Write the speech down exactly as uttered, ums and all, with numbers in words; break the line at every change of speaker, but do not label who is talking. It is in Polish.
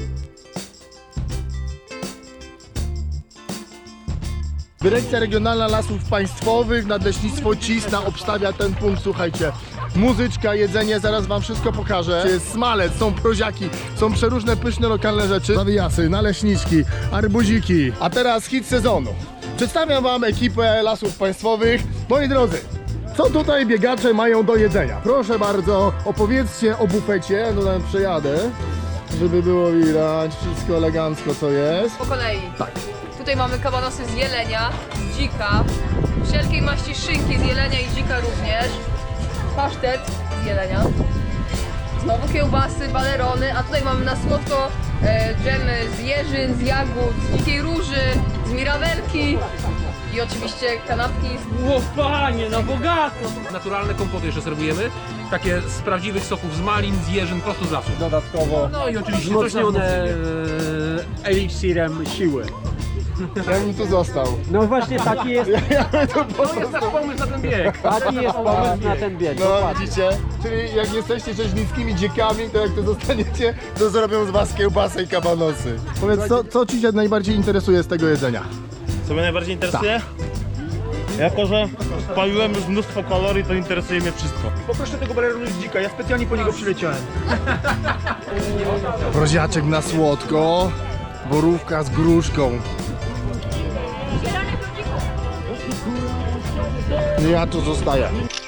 Dyrekcja Regionalna Lasów Państwowych, Nadleśnictwo Cisna obstawia ten punkt, słuchajcie. Muzyczka, jedzenie, zaraz wam wszystko pokażę. Jest smalec, są proziaki, są przeróżne pyszne lokalne rzeczy. Zawijasy, naleśniczki, arbuziki. A teraz hit sezonu. Przedstawiam wam ekipę Lasów Państwowych. Moi drodzy, co tutaj biegacze mają do jedzenia? Proszę bardzo, opowiedzcie o bufecie. No tam przejadę, żeby było widać wszystko elegancko co jest.
Po kolei.
Tak.
Tutaj mamy kabanosy z jelenia, z dzika, wszelkiej maści szynki z jelenia i dzika również, pasztet z jelenia, znowu kiełbasy, balerony, a tutaj mamy na słodko e, dżemy z jeżyn, z jagód, z dzikiej róży, z mirabelki i oczywiście kanapki.
Ło, panie, na bogato! Naturalne kompoty jeszcze serwujemy, takie z prawdziwych soków z malin, z jeżyn, prosto z lasu.
Dodatkowo
No i oczywiście coś na
wzmocnione
wzmocnienie.
e, eliksirem siły.
Ja bym tu został.
No właśnie taki jest,
Ja bym tu
To jest nasz pomysł na ten bieg.
taki jest pomysł na ten bieg.
No
Dokładnie.
widzicie? Czyli jak jesteście rzeźnickimi dziekami, to jak to zostaniecie, to zrobią z was kiełbasę i kabanosy. Powiedz, co, co ci się najbardziej interesuje z tego jedzenia?
Co mnie najbardziej interesuje? Jako, że spaliłem już mnóstwo kalorii, to interesuje mnie wszystko.
Poproszę tego baleronu z dzika, ja specjalnie po niego przyleciałem.
Proziaczek na słodko, borówka z gruszką. Ja tu zostaję.